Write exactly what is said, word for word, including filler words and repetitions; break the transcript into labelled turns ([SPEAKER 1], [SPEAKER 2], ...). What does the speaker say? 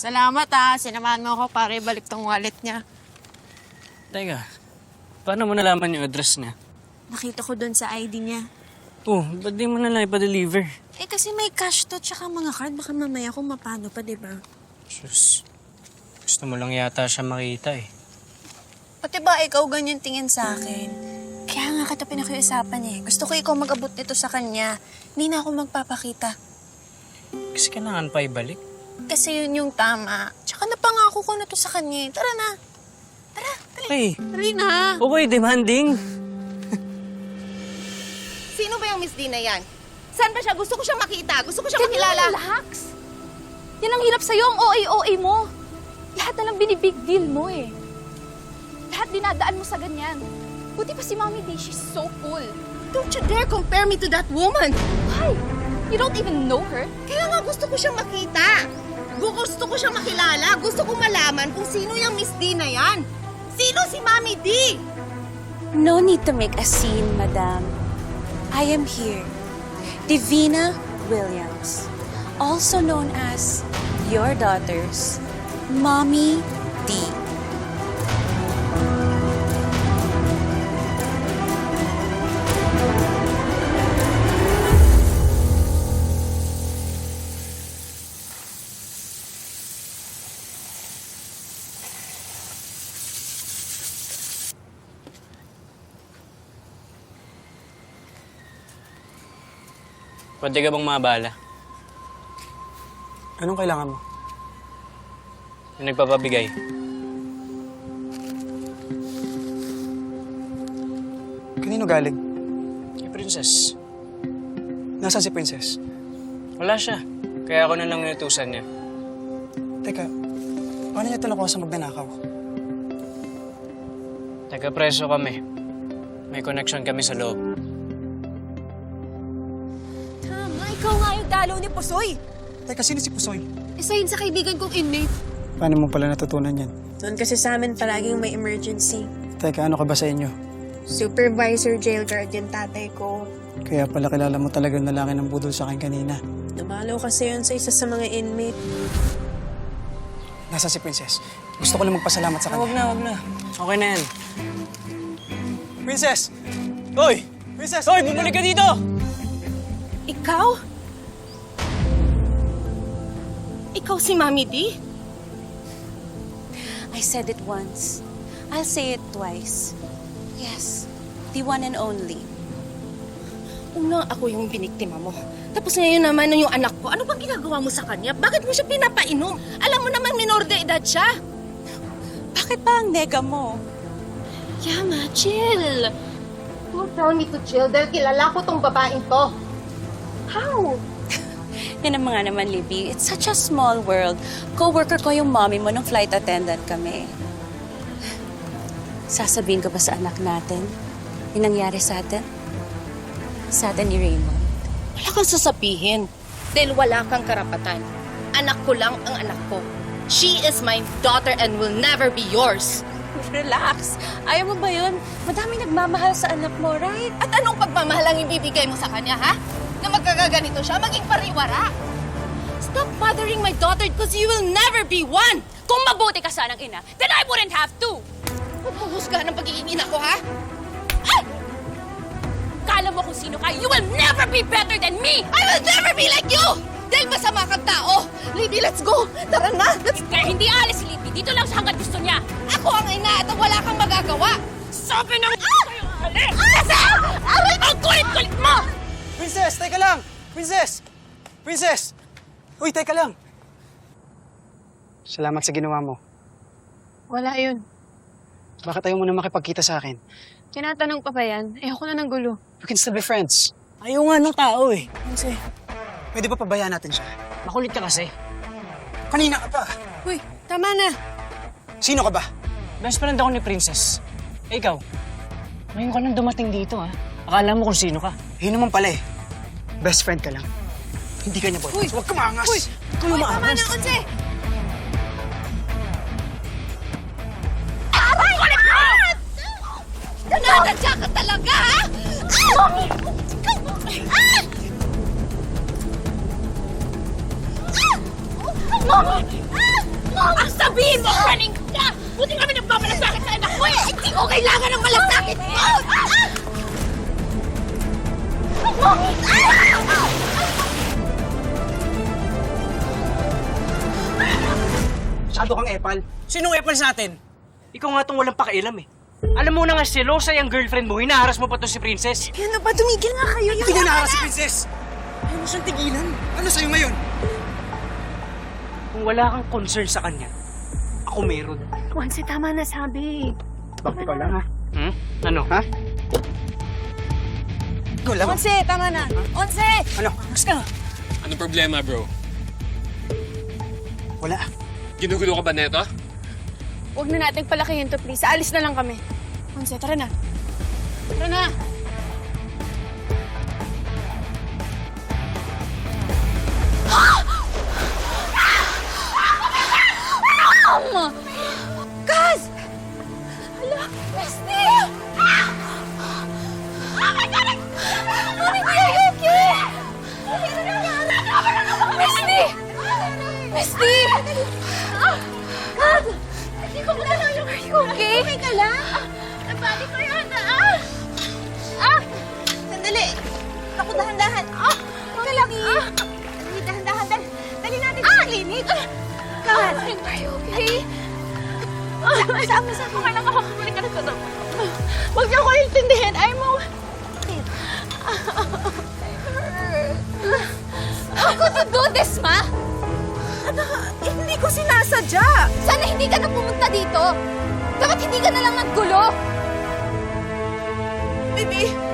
[SPEAKER 1] Salamat ah. Sinamahan mo ako para ibalik tong wallet niya.
[SPEAKER 2] Teka, paano mo nalaman yung address niya?
[SPEAKER 1] Nakita ko doon sa I D niya.
[SPEAKER 2] Oh, ba't di mo na lang ipa-deliver?
[SPEAKER 1] Eh kasi may cash to tsaka mga card. Baka mamaya kung mapano pa, di ba?
[SPEAKER 2] Sus, gusto mo lang yata siya makita eh.
[SPEAKER 1] Pati ba ikaw ganyan tingin sa akin? Kaya nga kita pinakiusapan eh. Gusto ko ikaw mag-abot nito sa kanya. Hindi na ako magpapakita.
[SPEAKER 2] Kasi kailangan pa ibalik.
[SPEAKER 1] Kasi yun yung tama. Tsaka napangako ko na to sa kanya. eh. Tara na. Tara, dali.
[SPEAKER 2] Okay.
[SPEAKER 1] Dali na.
[SPEAKER 2] Okay, demanding.
[SPEAKER 3] Sino ba yung Miss D na yan? Saan ba siya? Gusto ko siya makita. Gusto ko siya makilala.
[SPEAKER 4] Relax. Yan ang hirap sa'yo, ang O A-O A mo. Lahat na lang binibig deal mo eh. Lahat dinadaan mo sa ganyan. Buti pa si Mommy D, she's so cool.
[SPEAKER 3] Don't you dare compare me to that woman.
[SPEAKER 4] Why? You don't even know her?
[SPEAKER 3] Kaya nga gusto ko siyang makita. Gusto ko siyang makilala. Gusto ko malaman kung sino yung Miss D na yan. Sino si Mommy D?
[SPEAKER 5] No need to make a scene, madam. I am here. Divina Williams, also known as your daughter's Mommy D.
[SPEAKER 2] Pwede ka bang mabala?
[SPEAKER 6] Anong kailangan mo?
[SPEAKER 2] Yung nagpapabigay.
[SPEAKER 6] Kanino galing?
[SPEAKER 2] Kay Princess.
[SPEAKER 6] Nasaan si Princess?
[SPEAKER 2] Wala siya. Kaya ako na lang inutusan niya.
[SPEAKER 6] Teka, paano niya talaga sa magnanakaw?
[SPEAKER 2] Taga-preso kami. May connection kami sa loob.
[SPEAKER 3] Tama, ikaw nga yung dalaw ni Pusoy.
[SPEAKER 6] Teka, sino si Pusoy?
[SPEAKER 3] Isa yun sa kaibigan kong inmate.
[SPEAKER 6] Paano mo pala natutunan yan?
[SPEAKER 1] Doon kasi sa amin palaging may emergency.
[SPEAKER 6] Teka, ano ka ba sa inyo?
[SPEAKER 1] Supervisor jail guard yung tatay ko.
[SPEAKER 6] Kaya pala kilala mo talaga yung lalaki ng budol sa akin kanina.
[SPEAKER 1] Dumalaw kasi yun sa isa sa mga inmate.
[SPEAKER 6] Nasaan si Princess? Gusto ko lang magpasalamat sa
[SPEAKER 2] Huwag
[SPEAKER 6] kanya.
[SPEAKER 2] na, huwag na. Okay na yan.
[SPEAKER 6] Princess! Hoy! Princess!
[SPEAKER 2] Hoy, bumalik ka dito!
[SPEAKER 3] Ikaw? Ikaw si Mommy D?
[SPEAKER 5] I said it once. I'll say it twice. Yes, the one and only.
[SPEAKER 3] Una, ako yung biniktima mo. Tapos ngayon naman na yung anak ko. Ano bang ginagawa mo sa kanya? Bakit mo siya pinapainom? Alam mo naman minor de edad siya.
[SPEAKER 5] Bakit ba ang nega mo?
[SPEAKER 3] Yama, chill. Don't tell me to chill dahil kilala ko tong babaeng to. How?
[SPEAKER 5] Yan ang mga naman, Libby. It's such a small world. Co-worker ko yung mommy mo nung flight attendant kami. Sasabihin ko ba sa anak natin yung nangyari sa atin? Sa atin ni Raymond.
[SPEAKER 3] Wala kang sasabihin. Dahil wala kang karapatan. Anak ko lang ang anak ko. She is my daughter and will never be yours.
[SPEAKER 5] Relax. Ayaw mo ba yun? Madami nagmamahal sa anak mo, right?
[SPEAKER 3] At anong pagmamahal ang ibibigay mo sa kanya, ha? Na magkakaganito siya, maging pariwara. Stop bothering my daughter because you will never be one.
[SPEAKER 4] Kung mabuti ka sanang ina, then I wouldn't have to.
[SPEAKER 3] Huwag mo husgahan ang pagiging ina ko, ha?
[SPEAKER 4] Ah! Kala mo kung sino ka, you will never be better than me!
[SPEAKER 3] I will never be like you! Dahil masama kang tao. Libby, let's go. Tara na. Let's...
[SPEAKER 4] Kaya hindi alis si Libby, dito lang siya hanggang gusto niya.
[SPEAKER 3] Ako ang ina at wala kang magagawa.
[SPEAKER 4] Sabi ng... Ah! Alis! Aray! Ang kulit-kulit mo!
[SPEAKER 6] Princess, teka lang! Princess! Princess! Uy, teka lang! Salamat sa ginawa mo.
[SPEAKER 1] Wala yun.
[SPEAKER 6] Bakit ayaw mo na makipagkita sa akin?
[SPEAKER 1] Tinatanong pa ba yan? Ayoko na ng gulo.
[SPEAKER 6] We can still be friends.
[SPEAKER 2] Ayaw nga ng tao eh.
[SPEAKER 6] Kasi, pwede ba pabayaan natin siya?
[SPEAKER 2] Makulit ka kasi.
[SPEAKER 6] Kanina ka pa.
[SPEAKER 1] Uy, tama na.
[SPEAKER 6] Sino ka ba?
[SPEAKER 2] Best friend ako ni Princess. Eh, ikaw, ngayon ka lang dumating dito ha. Akala mo kung sino ka.
[SPEAKER 6] Yun naman pala eh. Best friend ka lang. Hindi ka niya boyfriend. Huwag ka maangas! Uy!
[SPEAKER 2] Ikaw yung
[SPEAKER 3] Tama
[SPEAKER 2] maangas.
[SPEAKER 3] na, Unse. Nanadya ka talaga, ha? Mommy! Ah! Ah! Mommy! Ah! mo! Running ka! Buti kami nagpapalasakin sa anak mo eh! Hindi ko kailangan ng malasakit mo!
[SPEAKER 6] Masyado kang epal.
[SPEAKER 2] Sinong epal sa atin? Ikaw nga tong walang pakialam eh. Alam mo na nga selosa yung girlfriend mo, hinaharas mo pa to si Princess.
[SPEAKER 1] Ano ba? Tumigil nga kayo.
[SPEAKER 6] Hindi ko naharas si Princess! Ayaw mo siyang tigilan. Ano sa'yo ngayon?
[SPEAKER 2] Kung wala kang concern sa kanya, ako meron.
[SPEAKER 1] Once, tama na sabi.
[SPEAKER 6] Bakit ikaw lang, ha?
[SPEAKER 2] Hmm? Ano?
[SPEAKER 6] Ha? Ikaw lang.
[SPEAKER 1] Onse, tama na. Onse!
[SPEAKER 6] Ano?
[SPEAKER 2] Basta!
[SPEAKER 7] Anong problema, bro?
[SPEAKER 6] Wala.
[SPEAKER 7] Ginugulo ka ba neto?
[SPEAKER 4] Huwag na nating palakihin to, please. Aalis na lang kami. Onse, tara na. Tara na!
[SPEAKER 1] Kaz!
[SPEAKER 4] Hala! Misty! Oh my God! Mami, are you okay? Misty! Misty! Kaz! Hindi ko muna na yung... Are you okay? Okay ka lang? Nabali ko yun, ah! Ah!
[SPEAKER 1] Sandali. Ako dahan-dahan.
[SPEAKER 4] Ah! Teka lang, ah!
[SPEAKER 1] Dali, dahan-dahan. Dali, dali natin sa klinik. Kaz!
[SPEAKER 4] Are you okay?
[SPEAKER 1] Sama sa akin.
[SPEAKER 4] Okay lang ako. Balik ka na sa Huwag niyo ko intindihin. I'm okay. How could you do this, Ma?
[SPEAKER 1] Anak, eh, hindi ko sinasadya.
[SPEAKER 4] Sana hindi ka na pumunta dito. Dapat hindi ka na lang naggulo.
[SPEAKER 1] Baby,